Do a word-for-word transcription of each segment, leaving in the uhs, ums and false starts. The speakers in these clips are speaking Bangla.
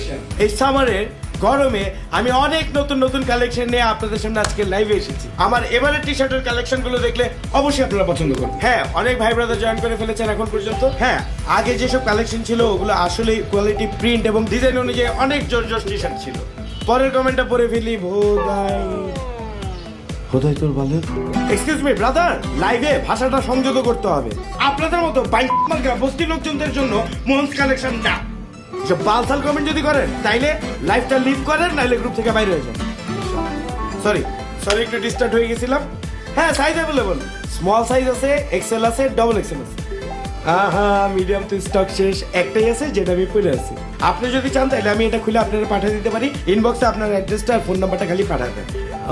কালেকশন। এই সামারের গরমে আমি অনেক নতুন নতুন কালেকশন নিয়ে আপনাদের সামনে আজকে লাইভে এসেছি। আমার এবারের টি শার্টের কালেকশন গুলো দেখলে অবশ্যই আপনারা পছন্দ করবেন। হ্যাঁ, অনেক ভাই ব্রাদার জয়েন করে ফেলেছেন এখন পর্যন্ত। হ্যাঁ, আগে যেসব কালেকশন ছিল ওগুলো আসলে কোয়ালিটি, প্রিন্ট এবং ডিজাইন অনুযায়ী অনেক জোর জোর টি শার্ট ছিল। পরের কমেন্টটা পড়ে ফেলি, ভোদাই খোদাই তোর ভালো। এক্সকিউজ মি ব্রাদার, লাইভে ভাষাটা সংযত করতে হবে। আপনাদের মতো বাইক মার্কা বস্তি লোকজনদের জন্য মোহনস কালেকশন না। যে বালসাল কমেন্ট যদি করেন তাইলে লাইভটা লিভ করেন, নাইলে গ্রুপ থেকে বাইরে হয়ে যান। সরি সরি একটু ডিস্টার্ব হয়ে গেছিলাম। হ্যাঁ, সাইজ অ্যাভেলেবল, স্মল সাইজ আছে, এক্সেল আছে, ডবল এক্সেল আছে। আহা, মিডিয়াম তো স্টক শেষ, একটাই আছে যেটা আমি পরে আছি। আপনি যদি চান তাহলে আমি এটা খুলে আপনারা পাঠিয়ে দিতে পারি। ইনবক্সে আপনার অ্যাড্রেসটা আর ফোন নাম্বারটা খালি পাঠাবেন।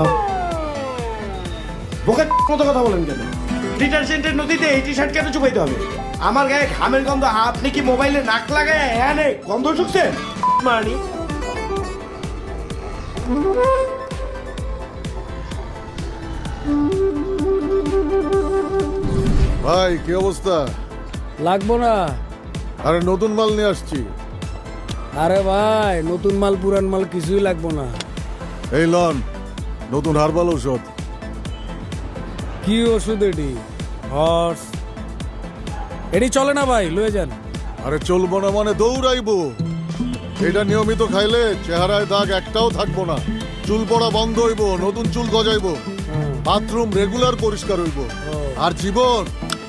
বোকা মতো কথা বলেন কেন? ডিটারজেন্টের নদীতে এই টি শার্ট কেন চুপাইতে হবে? আমার গায়ে ঘামের গন্ধ, আপনি কি মোবাইলে নাক লাগায় হ্যাঁ নেই গন্ধ শুকছেন? মানি ভাই কি অবস্থা? লাগবো না। আরে নতুন মাল নিয়ে আসছি। আরে ভাই, নতুন মাল পুরান মাল কিছুই লাগবো না। এই লন নতুন হার্বাল ঔষধ। কি ওষুধ এটি? হর্স এটি চলে না ভাই, লয়ে যান। আরে চলবো না মানে দৌড়াইবো। এটা নিয়মিত খাইলে চেহারায় দাগ একটাও থাকবো না, চুল পড়া বন্ধ হইব, নতুন চুল গজাইবো, বাথরুম রেগুলার পরিষ্কার হইব, আর জীবন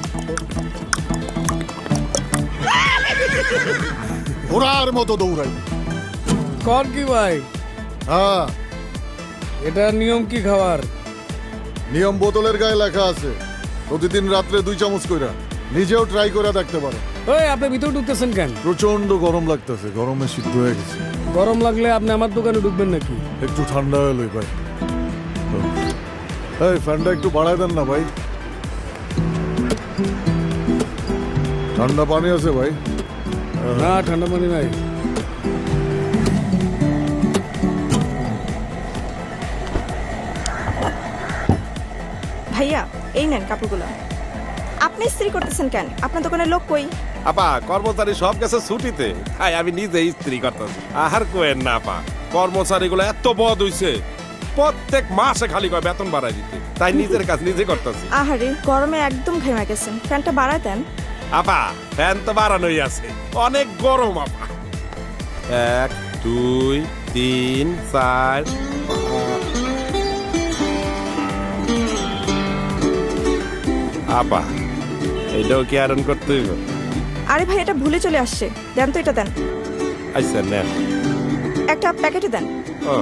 ঘোড়ার মতো দৌড়াইব। কর কি ভাই? হ্যাঁ, এটা নিয়ম কি খাওয়ার? নিয়ম বোতলের গায়ে লেখা আছে, প্রতিদিন রাত্রে দুই চামচ কইরা। নিজেও ট্রাই করে দেখতে পারো। ওই আপনি ভিতরে ঢুকতেছেন কেন? প্রচন্ড গরম লাগতেছে, গরমে সিদ্ধ হয়ে গেছে। গরম লাগলে আপনি আমার দোকানে ঢুকবেন নাকি? একটু ঠান্ডা হলো ভাই। এই ফ্যানটা একটু বাড়ায় দেন না ভাই। ঠান্ডা পানি আছে ভাই? না, ঠান্ডা পানি নাই। ভাইয়া এই নেন কাপড়গুলো। আপনি ইস্ত্রি করতেছেন কেন? আপনার দোকানে লোক কই? আপা কর্মচারী সব গেছে ছুটিতে, তাই আমি নিজে ইস্ত্রি করতেছি। আহার কোয়েন না আপা, কর্মচারীগুলো এত বদ হইছে, প্রত্যেক মাসে খালি কয় বেতন বাড়াই দিতে, তাই নিজের কাজ নিজে করতেছি। আহারে, গরমে একদম ঘেমে গেছেন, ফ্যানটা বাড়ায় দেন। আপা ফ্যান তো বাড়ানোই আছে, অনেক গরম আপা। এক দুই তিন চার আপা, এইটাও কি আয়রন করতে হইব? আরে ভাই, এটা ভুলে চলে আসছে, দেন তো, এটা দেন। আচ্ছা নেন। একটা প্যাকেটে দেন। ও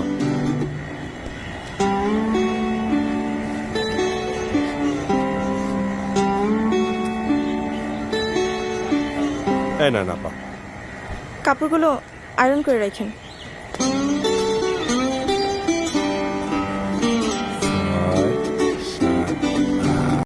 এই না আপা, কাপড়গুলো আয়রন করে রাখেন।